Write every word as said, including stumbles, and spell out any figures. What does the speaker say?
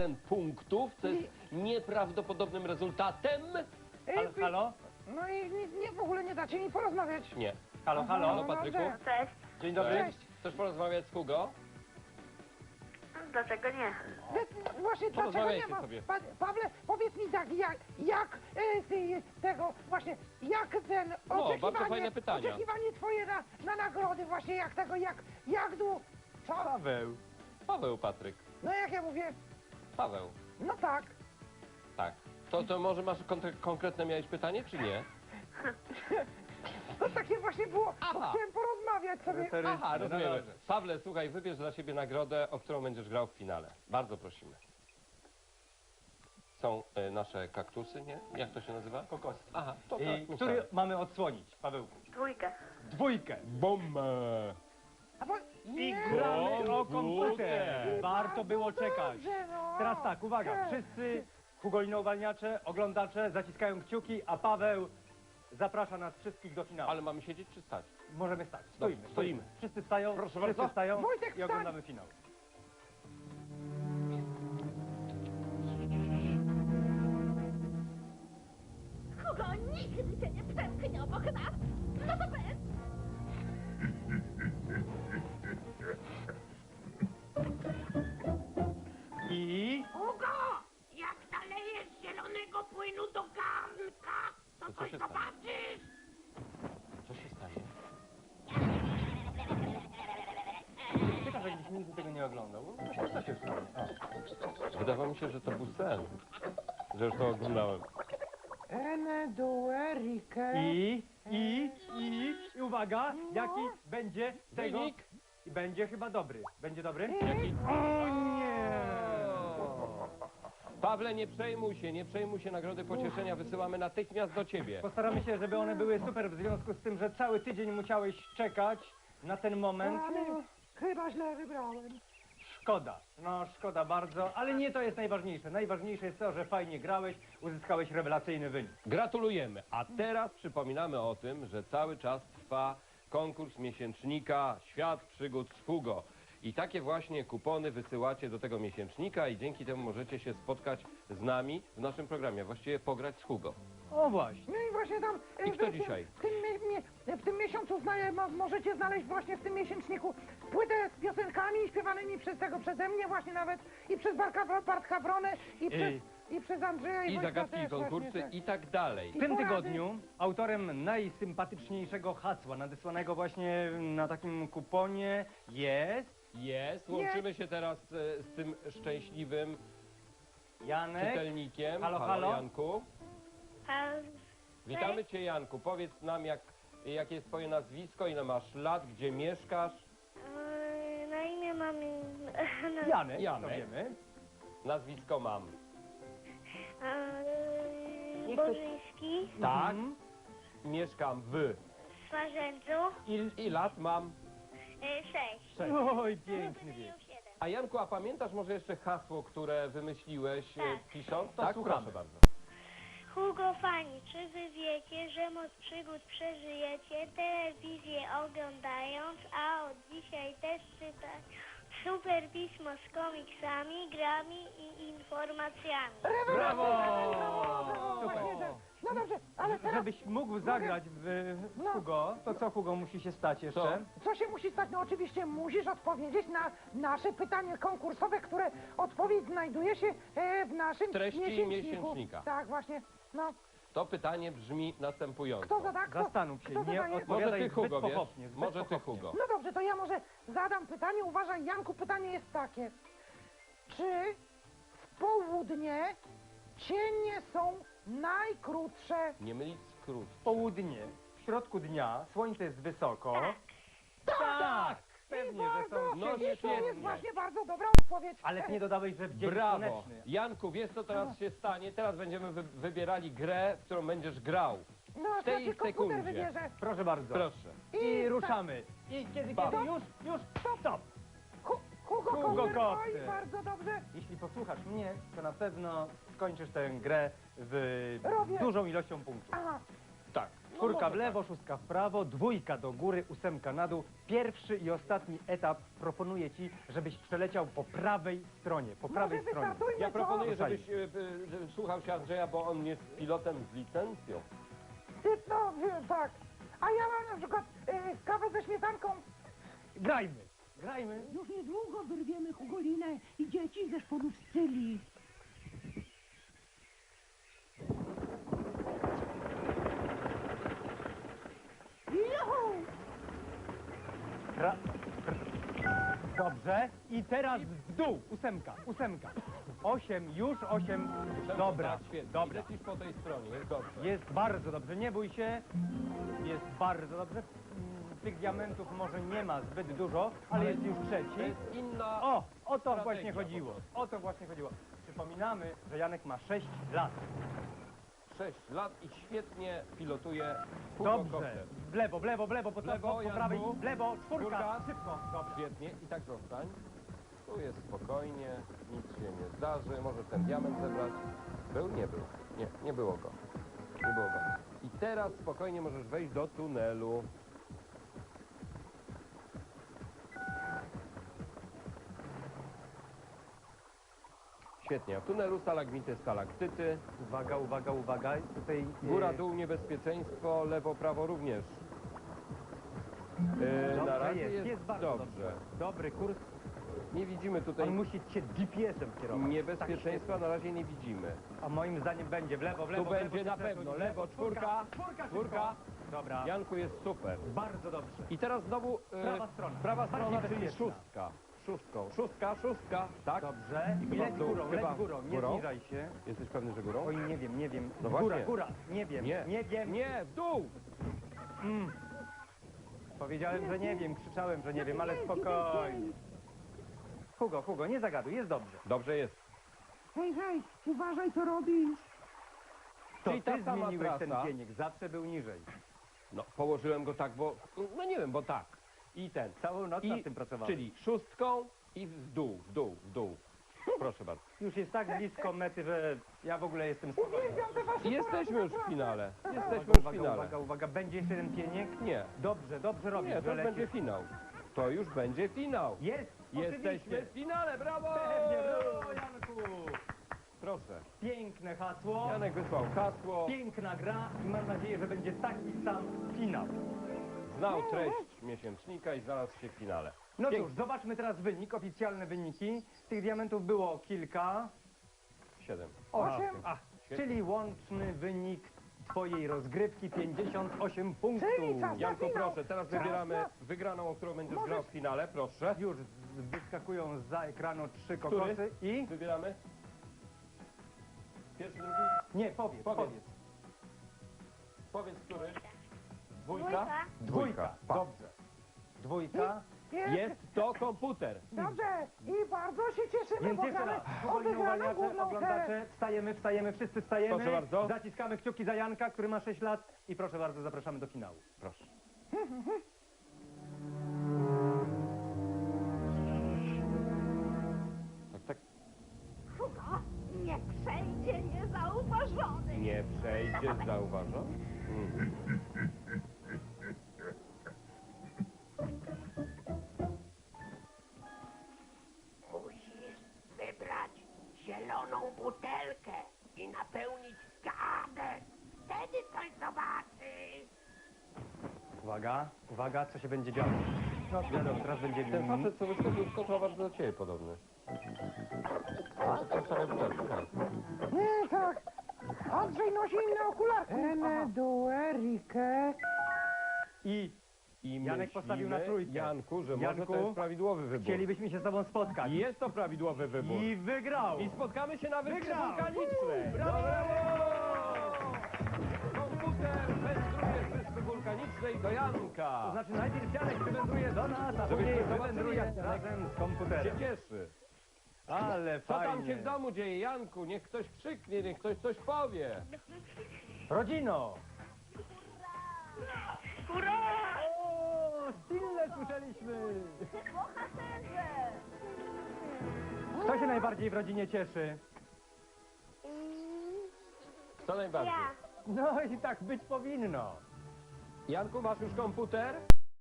jeden punktów, co jest nieprawdopodobnym rezultatem. Halo, halo? No i nic, nie, w ogóle nie dacie mi porozmawiać. Nie. Halo, halo? Halo, Patryku? Cześć. Dzień dobry. Cześć. Chcesz porozmawiać z Hugo? Dlaczego nie? Wy- Właśnie dlaczego Porozmawiajcie nie ma... sobie. Pa, Pawle, powiedz mi tak, jak, jak e, ty, tego właśnie, jak ten No, oczekiwanie, bardzo fajne pytania. oczekiwanie twoje na, na nagrody właśnie, jak tego, jak, jak dłu... Co? Paweł. Paweł, Patryk. No jak ja mówię, Paweł. no tak. Tak. To, to może masz kontre- konkretne miałeś pytanie, czy nie? To takie właśnie było, bo Aha. chciałem porozmawiać sobie. Refery- Aha, No rozumiemy. dobrze. Pawle, słuchaj, wybierz dla siebie nagrodę, o którą będziesz grał w finale. Bardzo prosimy. Są e, nasze kaktusy, nie? Jak to się nazywa? Kokosy. Aha, to tak. I myślałem. który mamy odsłonić, Pawełku? Dwójkę. Dwójkę. Bombę! A bo, I nie, gramy o Komputer. komputer. Warto było czekać. dobrze, no. Teraz tak, uwaga, wszyscy Hugolino-uwalniacze, oglądacze zaciskają kciuki, a Paweł zaprasza nas wszystkich do finału. Ale mamy siedzieć czy stać? Możemy stać, stoimy, Dobrze, stoimy. stoimy. Wszyscy stają, Proszę wszyscy bardzo. stają Wojtek, i wstań. oglądamy finał. Hugo nigdy cię nie przemknie obok nas! No to bez! I... Hugo! Jak nalejesz zielonego płynu do garnka, to To co coś się stanie? zobaczysz! Co się stanie? Ciekawe, jakbyś nigdy tego nie oglądał. No, co się stanie? O. Wydawało mi się, że to był sen. Że już to oglądałem. Ene, due, rike. I, i, i, i uwaga, jaki będzie tego... Wynik? I będzie chyba dobry. Będzie dobry? Jaki? O nie! Pawle, nie przejmuj się, nie przejmuj się, nagrody pocieszenia wysyłamy natychmiast do ciebie. Postaramy się, żeby one były super w związku z tym, że cały tydzień musiałeś czekać na ten moment. Ale chyba źle wybrałem. Szkoda, no szkoda bardzo, ale nie to jest najważniejsze. Najważniejsze jest to, że fajnie grałeś, uzyskałeś rewelacyjny wynik. Gratulujemy. A teraz przypominamy o tym, że cały czas trwa konkurs miesięcznika Świat Przygód z Hugo. I takie właśnie kupony wysyłacie do tego miesięcznika i dzięki temu możecie się spotkać z nami w naszym programie, właściwie pograć z Hugo. O właśnie. No i właśnie tam... e, I kto w- w- dzisiaj? W tym, mie- mie- w tym miesiącu zna, mo- możecie znaleźć właśnie w tym miesięczniku płytę z piosenkami śpiewanymi przez tego, przeze mnie właśnie nawet i przez Bartka, Bartka Wronę i przez, i przez Andrzeja i, I Wojtka zagadki, i też konkursy właśnie, tak. i tak dalej. W tym porady. tygodniu autorem najsympatyczniejszego hasła nadesłanego właśnie na takim kuponie jest Jest, łączymy się teraz e, z tym szczęśliwym Janek. czytelnikiem. Halo, halo. Janku. A Witamy cię, Janku. Powiedz nam, jak, jakie jest twoje nazwisko, ile masz lat, gdzie mieszkasz. yy, na imię mam... Janek, Janek. to wiemy. Nazwisko mam. Yy, Niech ktoś- Bożyński, Tak. Mhm. Mieszkam w. z Swarzędzu, I, i lat mam. yy, sześć. Cześć. Oj, piękny Będę wiek. miał siedem. A Janku, a pamiętasz może jeszcze hasło, które wymyśliłeś e, Tak. pisząc? To tak, słuchamy. proszę bardzo. Hugo Fani, czy wy wiecie, że moc przygód przeżyjecie telewizję oglądając, a od dzisiaj też czytać super pismo z komiksami, grami i informacjami. Brawo! Brawo, Super. właśnie, że- No dobrze, ale teraz Żebyś mógł zagrać w No. Hugo, to co Hugo musi się stać jeszcze? co się musi stać? No oczywiście musisz odpowiedzieć na nasze pytanie konkursowe, które odpowiedź znajduje się e, w naszym Treści miesięczniku. miesięcznika. Tak, właśnie. No, To pytanie brzmi następująco. kto zada? Kto, Zastanów się, kto nie zadaje? odpowiadaj Może ty, zbyt Hugo, wiesz? pochopnie. Zbyt Może ty, pochopnie. Hugo. No dobrze, to ja może zadam pytanie. Uważaj, Janku, pytanie jest takie. Czy w południe cienie są najkrótsze? Nie mylić skrót. Południe, w środku dnia, słońce jest wysoko. Tak! Pewnie, że są Bardzo, No, i to jest świetnie. właśnie bardzo dobra odpowiedź. Ale nie dodałeś, że w dzień Brawo. słoneczny. Janku, wiesz co teraz się stanie? Teraz będziemy wy wybierali grę, w którą będziesz grał. No, w tej znaczy komputer sekundzie. wybierze. Proszę bardzo. Proszę. I I ruszamy. I kiedy, Stop. kiedy? Już, już, stop! Hu, Hugo, Hugo Kopter. Kopter. Oj, bardzo dobrze. Jeśli posłuchasz mnie, to na pewno skończysz tę grę w Robię. dużą ilością punktów. Aha. Tak. No Czwórka może w lewo, tak. szóstka w prawo, dwójka do góry, ósemka na dół. Pierwszy i ostatni etap proponuję ci, żebyś przeleciał po prawej stronie, po prawej Może stronie. wystartujmy, Ja proponuję, Ruszajmy. żebyś e, e, słuchał się Andrzeja, bo on jest pilotem z licencją. Ty, no, wie- tak. A ja mam na przykład e, kawę ze śmietanką. Grajmy, grajmy. Już niedługo wyrwiemy Hugolinę i dzieci ze szpodu Scyli. Juhu! Ra... Dobrze. I teraz w dół. Ósemka, ósemka. Osiem, już osiem. Dobra, Tak, świetnie. dobra. Lecisz po tej stronie, jest dobrze. Jest bardzo dobrze, nie bój się. Jest bardzo dobrze. Mm, Tych diamentów może nie ma zbyt dużo, ale jest już To trzeci. jest inna... O, o to strategia właśnie po chodziło. prostu. O to właśnie chodziło. Przypominamy, że Janek ma sześć lat. sześć lat i świetnie pilotuje Dobrze. furgokopter. W lewo, w lewo, w lewo, po, W lewo, po, po Janku. prawej. W lewo, czwórka. Czwórka. Szybko. Dobrze. Świetnie i tak zostań. Tu jest spokojnie, nic się nie zdarzy. Możesz ten diament zebrać. Był? Nie był. Nie, nie było go. Nie było go. I teraz spokojnie możesz wejść do tunelu. Świetnie. W tunelu stalagmity, stalaktyty. Uwaga, uwaga, uwaga. Tutaj e, Góra, dół, niebezpieczeństwo, lewo, prawo również. Yy, Dobrze na razie jest, jest, jest bardzo dobrze. dobrze. Dobry kurs. Nie widzimy tutaj On musi cię G P S-em kierować. niebezpieczeństwa, na razie nie widzimy. A moim zdaniem będzie w lewo, w lewo. Tu w lewo, będzie się na przesuń. pewno. Lewo, czwórka, czwórka, czwórka. szybko. Dobra, Janku jest super. bardzo dobrze. I teraz znowu e, Prawa strona. prawa Bardziej strona, czyli bezpieczna. szóstka. Szóstką. Szóstka, szóstka, tak? Dobrze. I Chyba leć w dół, górą, leć chyba górą, nie górą. zniżaj się. Jesteś pewny, że górą? Oj, nie wiem, nie wiem. No góra, właśnie. góra, nie wiem, Nie. nie wiem. Nie, w dół! Mm. Powiedziałem, że nie wiem, krzyczałem, że nie wiem, ale spokojnie. Hugo, Hugo, nie zagaduj, jest dobrze. Dobrze jest. Hej, hej, uważaj co robisz. To Czyli ty ta sama zmieniłeś ten trasa. pieniek, zawsze był niżej. No, położyłem go tak, bo... No nie wiem, bo tak. I ten. Całą noc I, nad tym pracowałem. czyli szóstką i w dół, w dół, w dół. Proszę bardzo. Już jest tak blisko mety, że ja w ogóle jestem spokojny. Uwielbiam te wasze I jesteśmy porady, już w naprawdę. finale. Jesteśmy Uwaga, już w uwaga, finale. uwaga, uwaga, będzie jeszcze jeden pieniek? Nie. Dobrze, dobrze robisz, Nie, że to lecisz. będzie finał. To już będzie finał. Jest, Jesteśmy oczywiście. w finale, brawo! Pewnie, brawo, Janku. Proszę. Piękne hasło, Janek wysłał hasło, piękna gra i mam nadzieję, że będzie taki sam finał. znał treść miesięcznika i znalazł się w finale. No Pięknie. cóż, zobaczmy teraz wynik, oficjalne wyniki. Tych diamentów było kilka. Siedem. Osiem. A, Świetnie. czyli łączny wynik twojej rozgrywki pięćdziesiąt osiem punktów. Czyli czas. Janku, finał. proszę, teraz Czas wybieramy na- wygraną, o którą będziesz Możesz- grał w finale, proszę. Już z- wyskakują za ekranu trzy Który? kokosy i... Wybieramy. Pierwszy, drugi. Nie, powiedz, Powiedz. powiedz. Powiedz, który. Dwójka. Dwójka. Dwójka, Pa. dobrze. Dwójka. Jest. Jest to komputer. Dobrze. I bardzo się cieszymy, Więc bo jeszcze gramy raz, o powoli wygraną uwalniacze, główną grę. oglądacze, wstajemy, wstajemy, wszyscy wstajemy. Proszę bardzo. Zaciskamy kciuki za Janka, który ma sześć lat i proszę bardzo, zapraszamy do finału. Proszę. Tak, tak. Hugo, nie przejdzie niezauważony. Nie przejdzie, zauważam. Mm. Musisz wybrać zieloną butelkę i napełnić garnek. Wtedy coś zobaczysz. Uwaga, uwaga, co się będzie działo. No wiadomo, teraz będzie... Ten facet, co wyskoczył, skoczył bardzo do ciebie podobny. A, to stare butelki, tak. Nie, tak. Andrzej nosi inne okulary. Ene, duerike. I I Janek postawił na myślimy, trójkę. Janku, że Janku, może to jest prawidłowy wybór. chcielibyśmy się z tobą spotkać. I jest to prawidłowy wybór. I wygrał! I spotkamy się na wyspie Wygrał! wulkanicznej. Brawo! Komputer wędruje z wyspy wulkanicznej do Janka. To znaczy najpierw Janek wywędruje do nas, a Żebyśmy później zobaczyli, wywędruje jak Janek razem z się komputerem. cieszy. Ale Co fajnie. tam się w domu dzieje, Janku? Niech ktoś krzyknie, niech ktoś coś powie. Rodzino! Hurra! O, Stille słyszeliśmy! Kto się najbardziej w rodzinie cieszy? Co najbardziej? Ja. No i tak być powinno. Janku, masz już komputer?